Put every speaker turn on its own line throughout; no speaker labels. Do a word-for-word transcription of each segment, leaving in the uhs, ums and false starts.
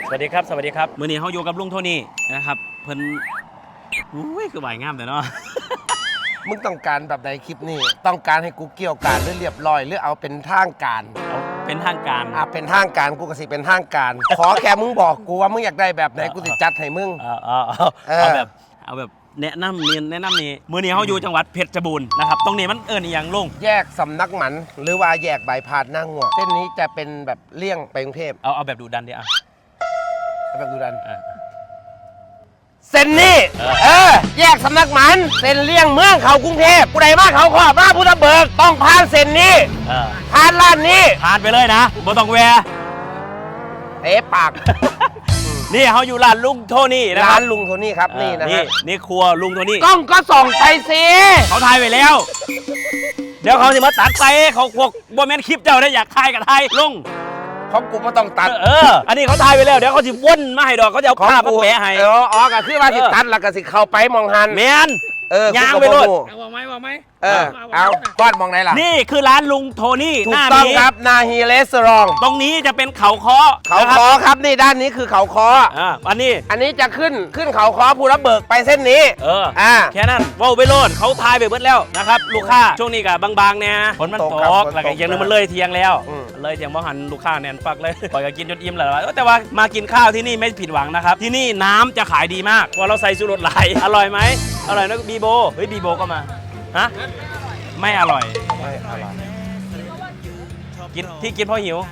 สวัสดีครับสวัสดีครับมื้อนี้เขาอยู่กับลุงโทนี่นะครับเพิ่นอุ้ยคือใบงามแต่เนาะ
มึงต้องการแบบใดคลิปนี้ต้องการให้กูเกี่ยวการหรือเรียบร้อยหรือเอาเป็นทางการ
เอาเป็นทางการ
อ่ะเป็นทางการกูก็สิเป็นทางการ ขอแค่มึงบอกกูว่ามึงอยากได้แบบไหนกูสิจัดให้มึง
เอาเอาเอาเอาแบบเอาแบบแนะนำเนียนแนะนำนี่มื้อนี้เขาอยู่จังหวัดเพชรบูรณ์นะครับตรงนี้มันเอิ้นอีหยังลุง
แยกสำนักหมันหรือว่าแยกใบพาดหน้างัวเส้นนี้จะเป็นแบบเลี่ยงไปกรุงเทพ
เอาเอาแบบดูดันดิอ่ะ
แบบดูดันเส้นนี้เออแยกสำนักหมันเส้นเลี่ยงเมืองเขากรุงเทพผู้ใดมาเขาขอบมาพุทธเบิกต้องผ่านเส้นนี้ผ่านร้านนี้
ผ่านไปเลยนะบ่ต้องแวะ
เอ๊ะปาก
นี่เขาอยู่ร้านลุงโทนี่นะค
ร้า
รับ
นลุงโทนี่ครับนี่นะฮะ
นี่ครัวลุงโทนี่
กล้องก็ส่องไปสิ
เขาถ่ายไปแล้วเดี๋ยวเขาจะมาตัดไปเขาพวกบ่แม่นคลิปเจ้าได้อยากถ่ายกับถ่ายลุง
ของกูไม่ต้องตัด
เอออันนี้เขาถ่ายไปแล้วเดี๋ยวเขาสิวนมาให้ดอกเขาจะเอาภาพมาแปะให้
เอออ๋อก็คือว่าสิตัดแล้วก็สิเข้าไปมองหัน
แมน
เออย
างไปโลด
เอาไหมเอาไหม
เออเอาก้อนมองไหนล่ะ
นี่คือร้านลุงโทนี่
ถูกต้องครับนาฮีเรสรอง
ตรงนี้จะเป็นเขาคอ
เขาคอครับนี่ด้านนี้คือเขาคอ
อ่าอันนี้
อันนี้จะขึ้นขึ้นเขาคอภูระเบิกไปเส้นนี้
เอออ่าแค่นั้นว้าวไปโลดเขาทายไปเบิดแล้วนะครับลูกค้าช่วงนี้กับบางๆเนี่ยฝนมันตกแล้วก็อย่างนึงมันเลยเที่ยงแล้วเลยเที่ยงบ่หันลูกค้าแน่นปักเลยปล่อยก็กินจนอิ่มแล้วแต่ว่ามากินข้าวที่นี่ไม่ผิดหวังนะครับที่นี่น้ำจะขายดีมากว่าเราใส่ชูรสหลายอร่อยไหมอร่อยนะบีโบเฮ้ยบีโบก็มาฮะไม่อร่อย
ไม่อร่อย
กินที่กินเพราะหิว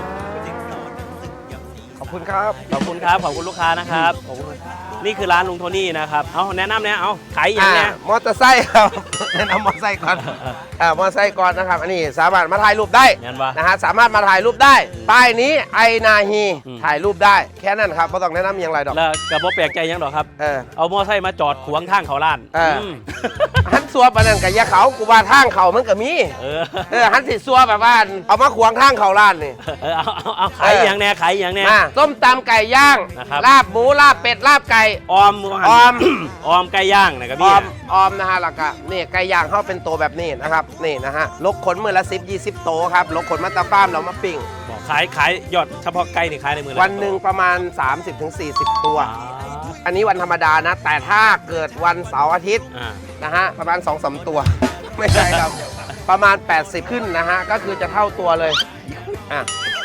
ขอบคุณครับ
ขอบคุณครับขอบคุณลูกค้านะครับนี่คือร้านลุงโทนี่นะครับเอาแนะนำเนี่ยเอาขายอย่างเนี้ย
มอเตอร์ไซค์ครับแนะนำมอเตอร์ไซค์ก่อนอ่ามอเตอร์ไซค์ก่อนนะครับอันนี้สามารถมาถ่ายรูปได้นะฮะสามารถมาถ่ายรูปได้ป้ายนี้ไอนาฮีถ่ายรูปได้แค่นั้นครับไม่ต้องแนะนำอย่างไรดอก
แล้วกระบอกแปลกใจยังดอกครับเออเอามอเตอร์ไซค์มาจอดขวางทางเขาล้าน
เออฮันซัวปนันกับยาเขากูว่าทางเขามันก็มีเออเออฮันสิซัวแบบว่าเอามาขวางทางเขาล้านนี่
เออเอาเอาเอาขายอย่างแน่ขายอย่างแน่
ส้มตำไก่ย่างลาบหมูลาบเป็ดลาบไก่
ออมออมออมไก่ย่างนะครับพี่
ออมออมนะฮะแล้วก็นี่ไก่ย่างเขาเป็นโตแบบนี้นะครับนี่นะฮะลกขนมือละสิบยี่สิบโตครับลกขนมาตาฟ้ามเรามาปิ้ง
ขายขายยอดเฉพาะไก่นี่ขายในมือ
วันหนึ่งประมาณ สามสิบถึงสี่สิบ ตัวอันนี้วันธรรมดานะแต่ถ้าเกิดวันเสาร์อาทิตย์นะฮะประมาณ สองสาม ตัวไม่ใช่ครับประมาณแปดสิบขึ้นนะฮะก็คือจะเท่าตัวเลยอ่ะ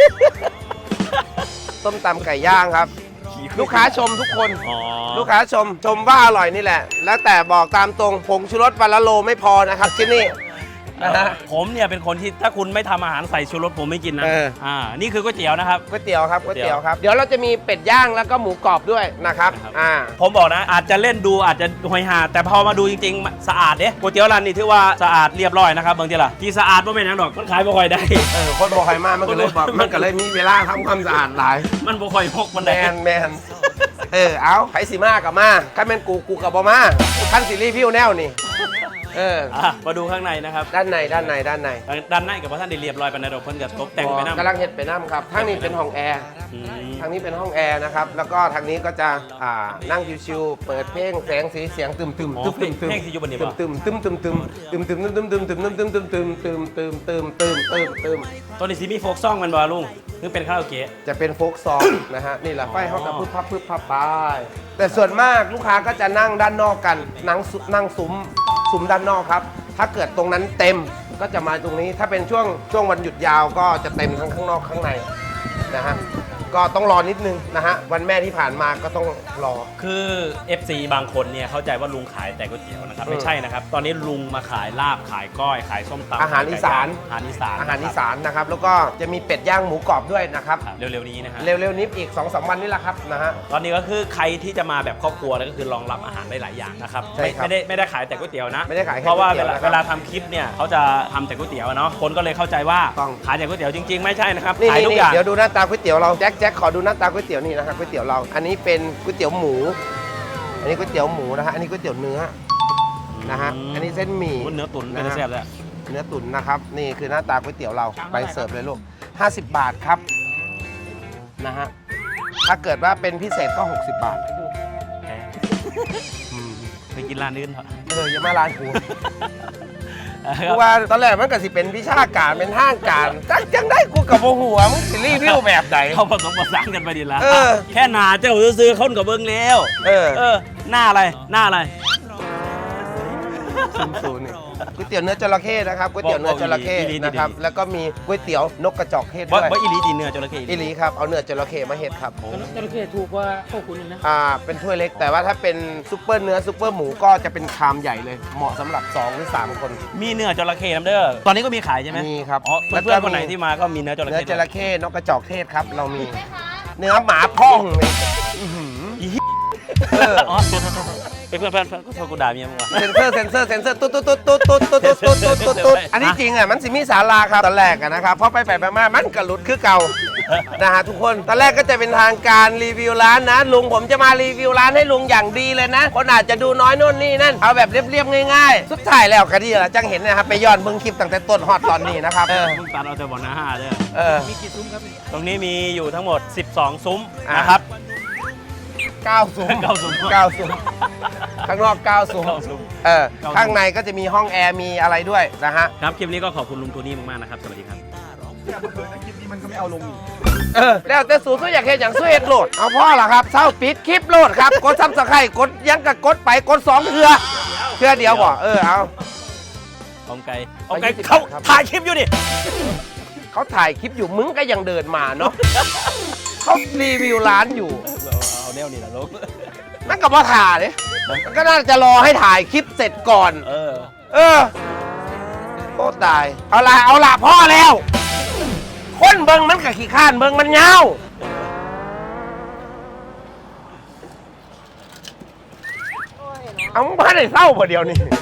ต้มตำไก่ย่างครับลูกค้าชมทุกคนลูกค้าชมชมว่าอร่อยนี่แหละแล้วแต่บอกตามตรงผงชูรสวันละโลไม่พอนะครับที่นี่
ผมเนี่ยเป็นคนที่ถ้าคุณไม่ทำอาหารใส่ชูรสผมไม่กินนะอ่านี่คือก๋วยเตี๋ยวนะครับ
ก๋วยเตี๋ยวครับก๋วยเตี๋ยวครับเดี๋ยวเราจะมีเป็ดย่างแล้วก็หมูกรอบด้วยนะครับอ่า
ผมบอกนะอาจจะเล่นดูอาจจะหอยหาแต่พอมาดูจริงๆสะอาดเนี่ยก๋วยเตี๋ยวร้านนี้ถือว่าสะอาดเรียบร้อยนะครับบางทีล่ะที่สะอาดไม่เป็นอย่างดอกมันขายบ่ค่อยได้
เออคนบ่ค่อยมากมันก็เลยบอกมันก็เลยมีเวลาทำความสะอาดหลาย
มันบ่ค่อยพกมัน
แมนแมนเออเอาไผสิมากับมาถ้าแม่นกูกูกับบ่มาขั้นสิรีวิวแนวนี่เออ
มาดูข้างในนะครับ
ด้านในด้านในด้านใน
ด้านในกับว่าท่านได้เรียบร้อยไปในดอกเพิ่นกับตกแต่งไปน้ำ
กำลังเห็ดไปน้ำครับทางนี้เป็นห้องแอร์ทางนี้เป็นห้องแอร์นะครับแล้วก็ทางนี้ก็จะอ่านั่งชิวๆเปิดเพลงแสงสีเสียงตึมตึมตึมตึมตึม
เพลงที่อยู่บนนี้
ป่ะตึมตึมตึมตึมตึมตึมตึมตึมตึมตึมตึมตึมตึมตึมตึมตึมตึมตึมตึม
ตัวนี้ซีมีโฟกซองมันบ่ลุงคือเป็นคาราโอเกะ
จะเป็นโฟกซองนะฮะนี่แหละไฟเขาจะพึบพับพึบพับไปแต่ส่วนมากลูกค้าก็จะนั่งด้านนอกกันนั่งนั่งซุ้มซุ้มด้านนอกครับถ้าเกิดตรงนั้นเต็มก็จะมาตรงนี้ถ้าเป็นช่วงช่วงวันหยุดยาวก็จะเต็มทั้งข้างนอกข้างในนะฮะก็ต้องรอนิดนึงนะฮะวันแม่ที่ผ่านมาก็ต้องรอ
คือ เอฟ ซี บางคนเนี่ยเข้าใจว่าลุงขายแต่ก๋วยเตี๋ยวนะครับไม่ใช่นะครับตอนนี้ลุงมาขายลาบขายก้อยขายส้มตำ
อาหารอีสาน
อาหารอีสาน
อาหารอีสานนะครับแล้วก็จะมีเป็ดย่างหมูกรอบด้วยนะครับ
เร็วๆนี้นะฮะ
เร็วๆนี้อีก สองสาม วันนี่แหละครับนะฮะ
ตอนนี้ก็คือใครที่จะมาแบบครอบครัวก็คือรองรับอาหารได้หลายอย่างนะครับไม่ได้ไม่ได้ขายแต่ก๋วยเตี๋ยวนะ
ไม่ได้ขาย
เพราะว่าเวลาเวลาทำคลิปเนี่ยเขาจะทำแต่ก๋วยเตี๋ยวเนาะคนก็เลยเข้าใจว่าขายแต่ก๋วยเตี๋ยวจริงๆไม่ใช่นะครับขายทุกอย่าง
เดี๋ยวดูหน้าตาก๋วยเตี๋ยวเราแจ็คแจ็คขอดูหน้าตาก๋วยเตี๋ยวนี่นะครับก๋วยเตี๋ยวเราอันนี้เป็นก๋วยเตี๋ยวหมูอันนี้ก๋วยเตี๋ยวหมูนะฮะอันนี้ก๋วยเตี๋ยวเนื้อนะฮะอันนี้เส้นหมี่
เนื้อตุ๋นเป็นแซ่บเลย
เนื้อตุ๋นนะครับนี่คือหน้าตาก๋วยเตี๋ยวเราไปเสิร์ฟเลยลูกห้าสิบบาทครับนะฮะถ้าเกิดว่าเป็นพิเศษก็หกสิบบาท
ไปกินร้านอื่นเถอะ
เอออย่ามาร้านกูกูว่าตอนแรกมันก็สิเป็นวิชาการเป็นห้างการจักจังได้กูกับโมหัวมึงสิรีวิวแบบไหน
เขาผสมผสานกันไปดีละ
เออ
แค่หนาเจ้าซื้อๆคนกับเบิ้งแล้ว
เออ
เออหน้าอะไรหน้าอะไร
ศูนย์ศูนย์นี่ก๋วยเตี๋ยวเนื้อจระเข้นะครับก๋วยเตี๋ยวเนื้อจระเข้
บอกบอกอีหลี
นะครับ
อีหลี
แล้วก็มีก๋วยเตี๋ยวนกกระจอกเทศ
ว่า
ด้วย
ว่าอีหลีตีเนื้อจระเข้
อีหลีครับเอาเนื้อจระเข้มาเฮ็ดครับ
จระเข้ถูกกว่าพวกคุณอีกนะ
อ่าเป็นถ้วยเล็กแต่ว่าถ้าเป็นซุปเปอร์เนื้อซุปเปอร์หมูก็จะเป็นชามใหญ่เลย เหมาะสำหรับสองหรือสามคน
มีเนื้อจระเข้น้ำเด้อตอนนี้ก็มีขายใช่ไหม
มีครับ
อ๋อ
แล้วก็
เพื่อนๆคนไหนที่มาก็มีเนื้อจระ
เนื้อ
เข้
จระเข้นกกระจอกเทศครับ เรามีเนื้อหมาพ่องเนี่ยอื้อหือ
อีเหี้ย
เออ
อ๋อโทษโทษโทษเพื่อนเพื่อนเพื่อนก็โทรกูด่าเมียมึงว่ะ
เซนเซอร์เซนเซอร์เซนเซอร์ตุ๊ดตุ๊ดตุ๊ดตุ๊ดตุ๊ดตุ๊ดตุ๊ดตุ๊ดตุ๊ดตุ๊ดตุ๊ดอันนี้จริงอ่ะมันสิมีศาลาครับตอนแรกอะนะครับเพราะไปไปมามามันกระหลุดคือเก่านะฮะทุกคนตอนแรกก็จะเป็นทางการรีวิวร้านนะลุงผมจะมารีวิวร้านให้ลุงอย่างดีเลยนะคนอาจจะดูน้อยโน่นนี่นั่นเอาแบบเรียบๆง่ายๆสุดท้ายแล้วก็ดีละจังเห็นนะครับไปย้อนเบิ่งคลิปตั้งแต่ต้นฮอดตอนนี้นะครับเออ
มึงตัดเอาแต่บ่อน้าห้าเด้อ
เออ
มีกี่ซุ้มครับนี่
ตรงนี้มีอยู่ทั้งหมดสิบสองซุ้ม
อ่ะ
นะครับ
เก้าซุ้ม
เก้าซุ้ม
เก้าซุ้มข้างนอกเก้าซุ้ม
เก้าซุ้ม
เออ
เก้าซุ้ม
ข้างในก็จะมีห้องแอร์มีอะไรด้วยนะฮะ
ครับคลิปนี้ก็ขอบคุณลุงโทนี่มากๆนะครับสวัสดีครับ
เออแล้วแต่สูตรอยากเห็นอย่างสู้เห็ดโหลดเอาพ่อละครับเศร้าปิดคลิปโหลดครับกดซับสไครต์กดยังกับกดไปกดสองเทือเทือเดียวบ่เออเอา
เอาไก่เอาไก่
ยี่สิบ
เขา
บาทครับ
ถ่ายคลิปอยู่ดิ
เขาถ่ายคลิปอยู่มึงก็ยังเดินมาเนาะเขารีวิวร้านอยู่
เอาเอาแนวนี้แหละลูก
นั่นก็มาถ่ายเลยมันก็น่าจะรอให้ถ่ายคลิปเสร็จก่อน
เออ
เออโคตรตายเอาละเอาละพ่อแล้ว คนเบิงมันกับขี้ข้านเบิงมันเงาเอามึงพาได้เศร้าพอเดียวนี่